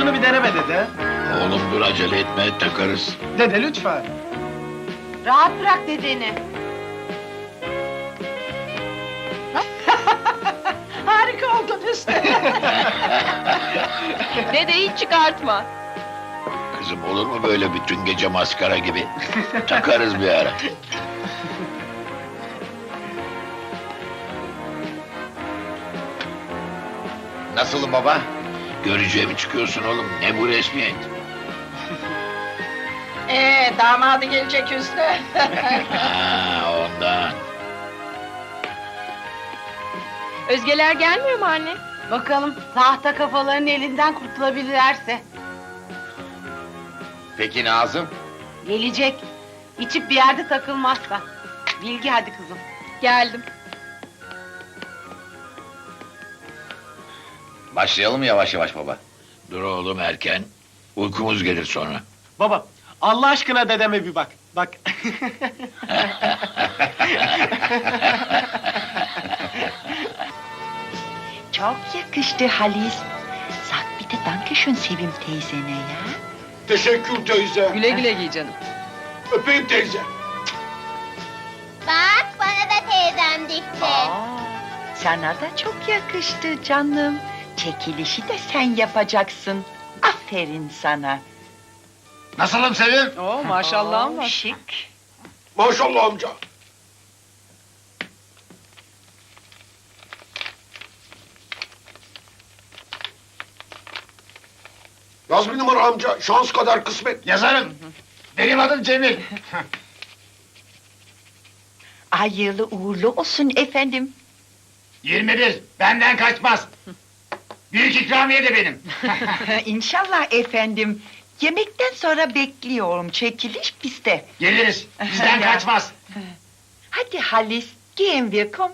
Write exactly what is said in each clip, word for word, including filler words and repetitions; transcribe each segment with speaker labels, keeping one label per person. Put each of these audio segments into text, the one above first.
Speaker 1: şunu bir deneme dede.
Speaker 2: Oğlum dur acele etme, takarız.
Speaker 1: Dede lütfen.
Speaker 3: Rahat bırak dedeni. Harika oldunuz.
Speaker 4: Dede hiç çıkartma.
Speaker 2: Kızım olur mu böyle bütün gece maskara gibi? Takarız bir ara. Nasılım baba? Görücüye mi çıkıyorsun oğlum? Ne bu resmiyet?
Speaker 3: Ee, damadı gelecek üstüne.
Speaker 2: Ha, ondan.
Speaker 4: Özgeler gelmiyor mu anne?
Speaker 3: Bakalım tahta kafaların elinden kurtulabilirlerse.
Speaker 5: Peki Nazım?
Speaker 3: Gelecek. İçip bir yerde takılmazsa. Bilgi hadi kızım.
Speaker 4: Geldim.
Speaker 5: Başlayalım yavaş yavaş baba.
Speaker 2: Dur oğlum erken. Uykumuz gelir sonra.
Speaker 1: Baba, Allah aşkına dedeme bir bak. Bak.
Speaker 6: Çok yakıştı Halis. Sag bir de Dankeschön Sevim teyzene ya.
Speaker 7: Teşekkür teyze.
Speaker 4: Güle güle giy canım.
Speaker 7: Öpeyim teyze.
Speaker 8: Bak bana da teyzem dikti.
Speaker 6: Aa, sana da çok yakıştı canım. Çekilişi de sen yapacaksın. Aferin sana.
Speaker 2: Nasılım Sevim?
Speaker 4: Oo maşallahım
Speaker 6: Oo,
Speaker 4: var.
Speaker 6: şık.
Speaker 7: Maşallah amca. Yaz bir numara amca. Şans kadar kısmet.
Speaker 2: Yazarım. Benim adım Cemil.
Speaker 6: Hayırlı uğurlu olsun efendim.
Speaker 2: yirmi bir. Benden kaçmaz. Büyük ikramiye de benim.
Speaker 6: İnşallah efendim. Yemekten sonra bekliyorum. Çekiliş bizde.
Speaker 2: Geliriz. Bizden kaçmaz.
Speaker 6: Hadi Halis, gehen wir, komm.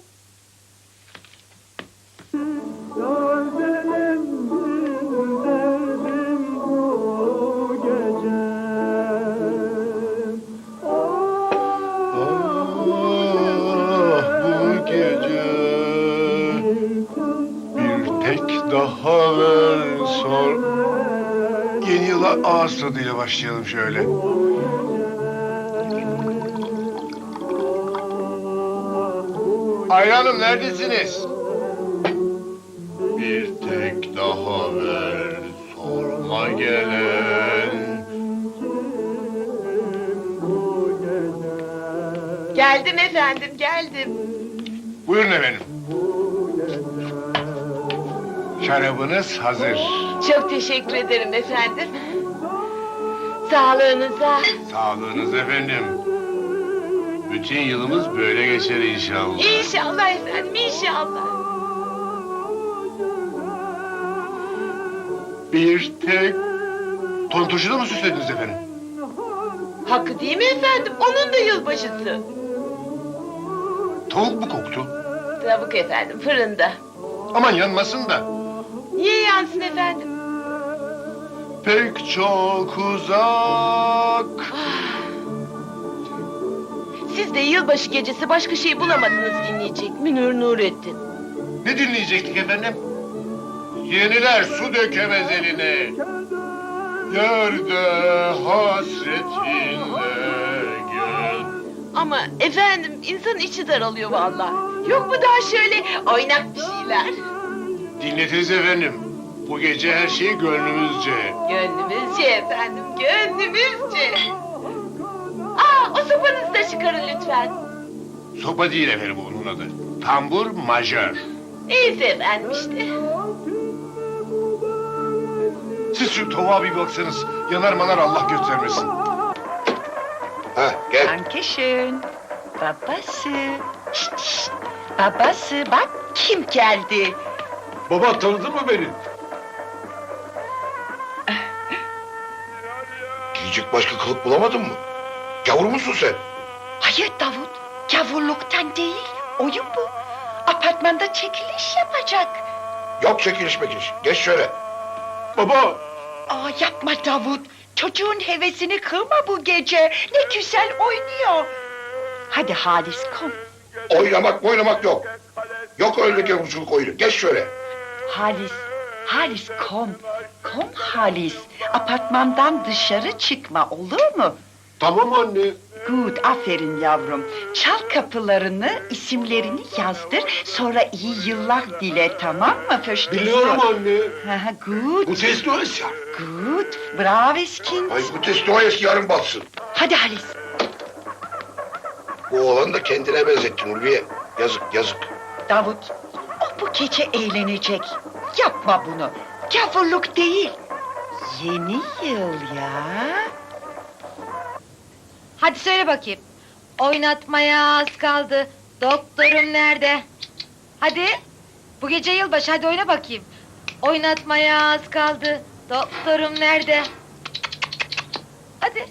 Speaker 7: Bu gece bir tek daha ver sor. Yeni yıla ağız tadıyla başlayalım şöyle. Ayhan'ım neredesiniz? Bir tek daha ver sorma gelen.
Speaker 3: Geldim efendim, geldim.
Speaker 7: Buyurun efendim. Şarabınız hazır.
Speaker 3: Çok teşekkür ederim efendim. Sağlığınıza.
Speaker 7: Sağlığınız efendim. Bütün yılımız böyle geçer inşallah.
Speaker 3: İnşallah efendim, inşallah.
Speaker 7: Bir tek... Tonturşuda mı süslediniz efendim?
Speaker 3: Hakkı değil mi efendim? Onun da yılbaşısı.
Speaker 7: Tavuk mu koktu?
Speaker 3: Tavuk efendim, fırında.
Speaker 7: Aman yanmasın da.
Speaker 3: Niye yansın efendim?
Speaker 7: Pek çok uzak.
Speaker 3: Siz de yılbaşı gecesi başka şey bulamadınız dinleyecek. Münir Nurettin.
Speaker 7: Ne dinleyecektik efendim? Yeniler su dökemez eline. Yerde hasretinle gel.
Speaker 3: Ama efendim insan içi daralıyor vallahi. Yok mu daha şöyle oynak bir şeyler?
Speaker 7: Dinletiriz efendim. Bu gece her şey gönlümüzce.
Speaker 3: Gönlümüzce efendim, gönlümüzce. Aa, o sopanızı da çıkarın lütfen.
Speaker 7: Sopa değil efendim onun adı. Tambur majör.
Speaker 3: Neyse efendim işte.
Speaker 7: Siz şu tavuğa bir baksanız. Yanar manar Allah göstermesin. Ha gel.
Speaker 6: Dankeschön. Babası. Şşt, şşt. Babası bak kim geldi.
Speaker 7: Baba tanıdın mı beni? Giyecek başka kılık bulamadın mı? Gavur musun sen?
Speaker 6: Hayır Davut. Gavurluktan değil. Oyun bu. Apartmanda çekiliş yapacak.
Speaker 7: Yok çekiliş mekiliş. Geç şöyle. Baba.
Speaker 6: Aa yapma Davut. Çocuğun hevesini kırma bu gece. Ne güzel oynuyor. Hadi Halis kom.
Speaker 7: Oynamak oynamak yok. Yok öyle gavurculuk oyunu. Geç şöyle.
Speaker 6: Halis. Halis kom. Kom Halis. Apartmandan dışarı çıkma olur mu?
Speaker 7: Tamam anne.
Speaker 6: Good, aferin yavrum. Çal kapılarını, isimlerini yazdır. Sonra iyi yıllar dile, tamam mı? First
Speaker 7: Biliyorum anne.
Speaker 6: Aha, good,
Speaker 7: Bu testoyes ya.
Speaker 6: good. Bravo Skins.
Speaker 7: Ay bu testoyes yarın batsın.
Speaker 6: Hadi Halis.
Speaker 7: Bu oğlanı da kendine benzettin Ulviye. Yazık yazık.
Speaker 6: Davut, o bu gece eğlenecek. Yapma bunu. Gavurluk değil. Yeni yıl ya.
Speaker 9: Hadi söyle bakayım. Oynatmaya az kaldı. Doktorum nerede? Hadi. Bu gece yılbaşı, hadi oyna bakayım. Oynatmaya az kaldı. Doktorum nerede? Hadi.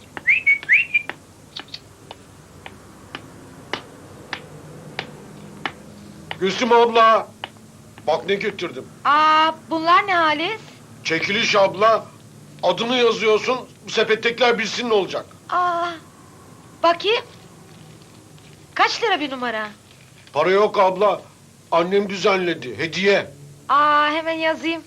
Speaker 7: Gülsüm abla. Bak ne getirdim.
Speaker 9: Aa, bunlar ne Halis?
Speaker 7: Çekiliş abla. Adını yazıyorsun. Bu sepettekiler bilsin ne olacak.
Speaker 9: Aa, bakayım. Kaç lira bir numara?
Speaker 7: Para yok abla. Annem düzenledi. Hediye.
Speaker 9: Aa, hemen yazayım.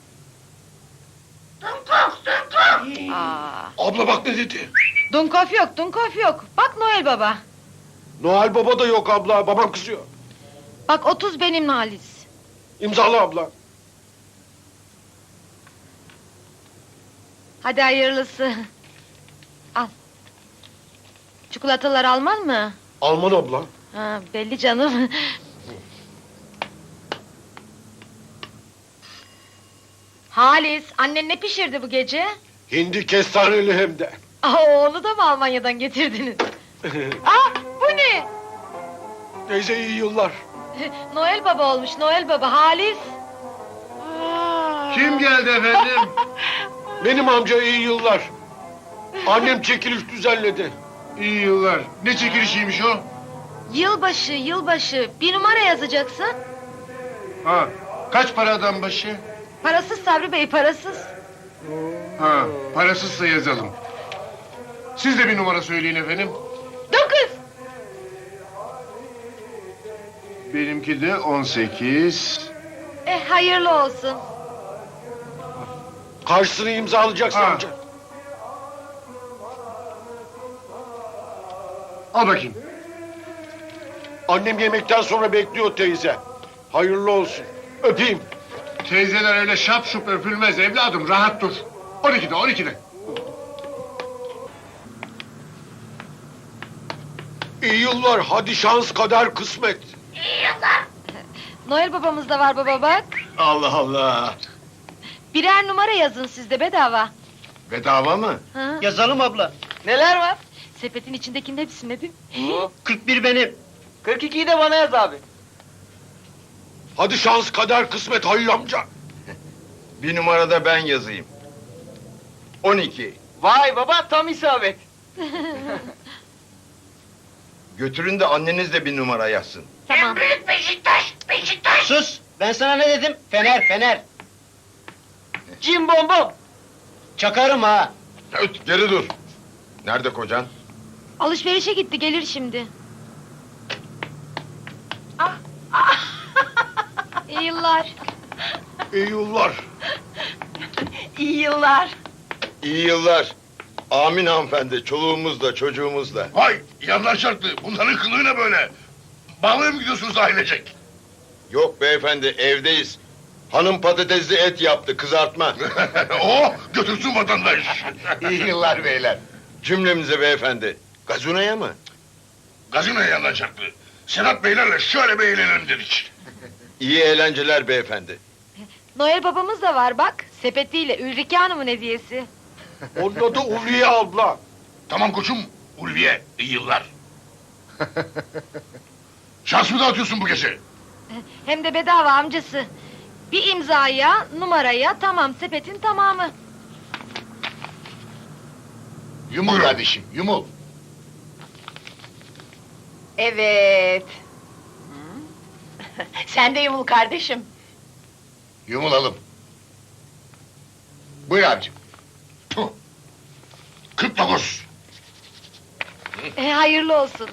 Speaker 9: Aa,
Speaker 7: Abla bak ne dedi.
Speaker 9: Dunkof yok, Dunkof yok. Bak Noel Baba.
Speaker 7: Noel Baba da yok abla. Babam kızıyor.
Speaker 9: Bak otuz benim Halis.
Speaker 7: İmzalı abla.
Speaker 9: Hadi hayırlısı. Al. Çikolatalar Alman mı?
Speaker 7: Alman abla.
Speaker 9: Ha, belli canım. Halis, annen ne pişirdi bu gece?
Speaker 7: Hindi kestaneli hem de.
Speaker 9: Aa, onu da mı Almanya'dan getirdiniz? Aa, bu ne?
Speaker 7: Teyze iyi yıllar.
Speaker 9: Noel Baba olmuş, Noel Baba. Halis.
Speaker 1: Kim geldi efendim?
Speaker 7: Benim amca iyi yıllar. Annem çekiliş düzenledi.
Speaker 1: İyi yıllar. Ne çekilişiymiş o?
Speaker 9: Yılbaşı, yılbaşı. Bir numara yazacaksın.
Speaker 1: Ha, kaç para adam başı?
Speaker 9: Parasız Sabri Bey, parasız.
Speaker 1: Ha, parasızsa yazalım. Siz de bir numara söyleyin efendim.
Speaker 9: Dokuz.
Speaker 1: Benimki de on sekiz.
Speaker 9: Eh, hayırlı olsun.
Speaker 7: Karşısını imzalayacaksın
Speaker 1: Ha.
Speaker 7: amca.
Speaker 1: Al bakayım.
Speaker 7: Annem yemekten sonra bekliyor teyze. Hayırlı olsun. Öpeyim.
Speaker 1: Teyzeler öyle şap şup öpülmez evladım, rahat dur. on ikide, on ikide.
Speaker 7: İyi yıllar. Hadi şans kader kısmet.
Speaker 9: Noel Babamız da var baba bak.
Speaker 2: Allah Allah.
Speaker 9: Birer numara yazın siz de bedava.
Speaker 2: Bedava mı?
Speaker 9: Ha?
Speaker 10: Yazalım abla. Neler var?
Speaker 9: Sepetin içindekinin hepsi ne değil
Speaker 10: kırk bir benim. kırk ikiyi de bana yaz abi.
Speaker 7: Hadi şans kader kısmet Halil amca.
Speaker 2: Bir numarada ben yazayım. on iki.
Speaker 10: Vay baba tam isabet.
Speaker 2: Götürün de anneniz de bir numara yazsın.
Speaker 9: Tamam.
Speaker 10: Sus ben sana ne dedim? Fener fener. Cim bom bom. Çakarım ha.
Speaker 2: Öt, geri dur. Nerede kocan?
Speaker 9: Alışverişe gitti, gelir şimdi. İyi yıllar.
Speaker 7: İyi yıllar.
Speaker 6: İyi yıllar.
Speaker 2: İyi yıllar. Amin hanımefendi. Çoluğumuzla çocuğumuzla.
Speaker 7: Vay yanlar çarptı. Bunların kılığı ne böyle? Bağlıya mı gidiyorsunuz ailecek?
Speaker 2: Yok beyefendi evdeyiz. Hanım patatesli et yaptı kızartma.
Speaker 7: oh götürsün vatandaş.
Speaker 2: İyi yıllar beyler. Cümlemize beyefendi. Gazunaya mı?
Speaker 7: Gazinoya yanlar çarptı. Sedat beylerle şöyle bir eğlenelim dedik.
Speaker 2: İyi eğlenceler beyefendi.
Speaker 9: Noel Babamız da var bak. Sepetiyle Ülrike Hanım'ın hediyesi.
Speaker 7: Onun adı Ulviye abla.
Speaker 11: Tamam koçum, Ulviye, iyi yıllar. Şans mı dağıtıyorsun bu gece?
Speaker 9: Hem de bedava amcası. Bir imzaya, numaraya, tamam sepetin tamamı.
Speaker 11: Yumul kardeşim, yumul.
Speaker 6: Evet. Sen de yumul kardeşim.
Speaker 11: Yumulalım. Buyur abicim. Puh. kırk dokuz.
Speaker 9: E, hayırlı olsun.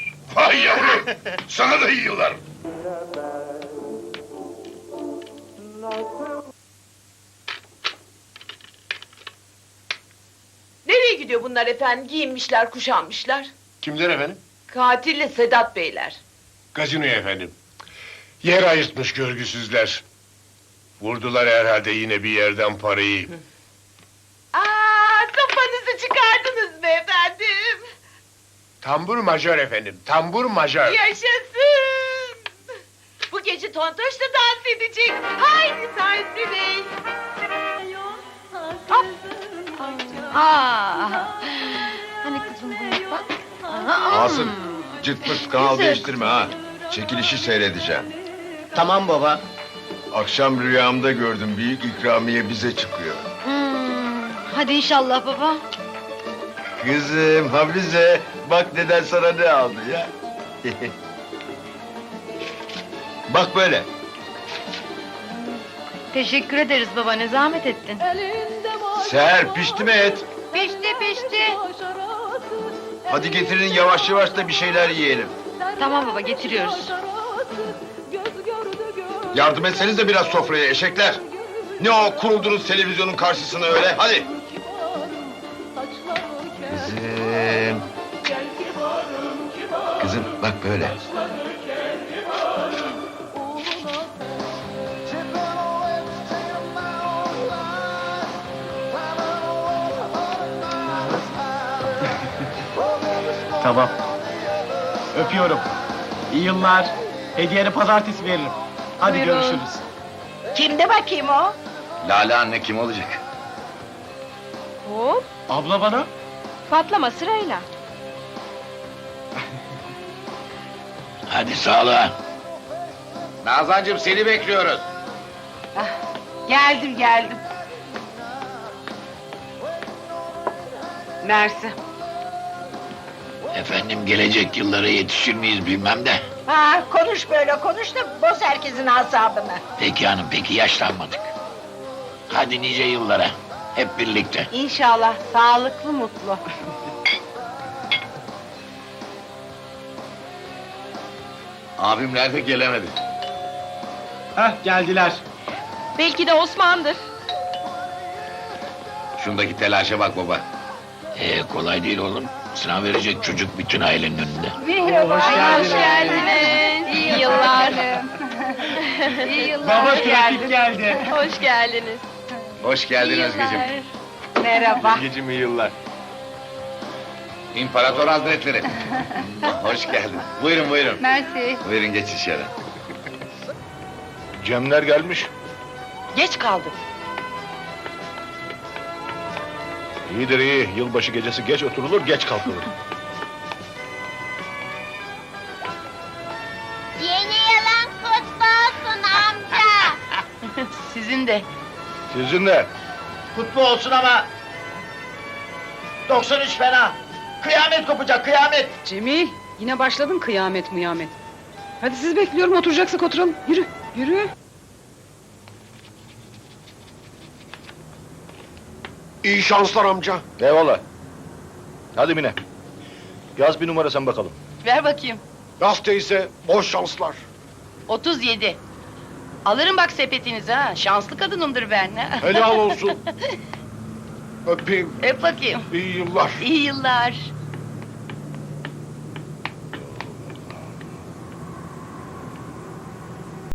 Speaker 11: Vay yavrum, sana da iyi yıllar.
Speaker 3: Nereye gidiyor bunlar efendim? Giyinmişler, kuşanmışlar.
Speaker 1: Kimler efendim?
Speaker 3: Katille Sedat Beyler.
Speaker 1: Gazinoya efendim. Yer ayırtmış görgüsüzler. Vurdular herhalde yine bir yerden parayı.
Speaker 3: Aa, sopanızı çıkardınız be efendim.
Speaker 1: Tambur majör efendim, tambur majör.
Speaker 3: Yaşasın! Bu gece Tontoş da dans edecek. Haydi Sadri Bey. Hop.
Speaker 9: Aa, hani kızım bunu bak.
Speaker 7: Asım, cırt pırt kanal değiştirme ha. Çekilişi seyredeceğim.
Speaker 10: Tamam baba.
Speaker 7: Akşam rüyamda gördüm, büyük ikramiye bize çıkıyor.
Speaker 9: Hmm, hadi inşallah baba.
Speaker 7: Kızım, Hafize, bak deden sana ne aldı ya. Bak böyle.
Speaker 9: Teşekkür ederiz baba, ne zahmet ettin.
Speaker 7: Seher, pişti mi et?
Speaker 9: Pişti pişti.
Speaker 7: Hadi getirin yavaş yavaş da bir şeyler yiyelim.
Speaker 9: Tamam baba, getiriyoruz.
Speaker 7: Yardım etseniz de biraz sofraya eşekler. Ne o kuruldunuz televizyonun karşısına öyle, hadi. Kızım. Kızım bak böyle.
Speaker 10: Tamam. Öpüyorum. İyi yıllar. Hediyeni pazartesi veririm. Hadi
Speaker 9: Buyurun.
Speaker 10: görüşürüz.
Speaker 6: Kimde bakayım o?
Speaker 5: Lale anne kim olacak?
Speaker 4: Hop,
Speaker 10: Abla bana.
Speaker 4: patlama sırayla.
Speaker 2: Hadi sağlığa.
Speaker 5: Nazancığım seni bekliyoruz.
Speaker 3: Geldim geldim. Mersi.
Speaker 2: Efendim gelecek yıllara yetişir miyiz bilmem de.
Speaker 6: Ha, konuş böyle konuş da boz herkesin asabını.
Speaker 2: Peki hanım peki yaşlanmadık. Hadi nice yıllara. Hep birlikte.
Speaker 3: İnşallah sağlıklı mutlu.
Speaker 5: Abim nerede gelemedi.
Speaker 10: Heh geldiler.
Speaker 4: Belki de Osman'dır.
Speaker 5: Şundaki telaşa bak baba.
Speaker 2: Ee, kolay değil oğlum. Sınav verecek çocuk bütün ailenin önünde.
Speaker 10: Oo, hoş geldiniz.
Speaker 4: geldiniz. İyi yıllar.
Speaker 9: İyi yıllar.
Speaker 10: Baba trafik geldi.
Speaker 4: Hoş geldiniz.
Speaker 5: Hoş geldin Özgeciğim.
Speaker 6: Merhaba.
Speaker 7: Gecim iyi yıllar.
Speaker 5: İmparator Hazretleri. Hoş geldin. Buyurun buyurun.
Speaker 9: Mersi.
Speaker 5: Buyurun geç içeri.
Speaker 7: Cemler gelmiş.
Speaker 3: Geç kaldık.
Speaker 7: İyidir iyi. Yılbaşı gecesi geç oturulur, geç kalkılır.
Speaker 8: Yeni yılın kutlu olsun amca.
Speaker 3: Sizin de.
Speaker 7: Sizin de.
Speaker 10: Kutlu olsun ama. doksan üç fena. Kıyamet kopacak kıyamet.
Speaker 4: Cemil, yine başladın kıyamet mıyamet. Hadi siz bekliyorum, oturacaksak oturalım. Yürü, yürü.
Speaker 1: İyi şanslar amca.
Speaker 7: Eyvallah. Hadi Mine. Yaz bir numara sen bakalım.
Speaker 3: Ver bakayım.
Speaker 1: Yaz teyze, boş şanslar.
Speaker 3: otuz yedi. Alırım bak sepetinizi ha. Şanslı kadınımdır ben.
Speaker 1: Helal olsun. Öpeyim.
Speaker 3: Öp bakayım.
Speaker 1: İyi yıllar.
Speaker 3: İyi yıllar.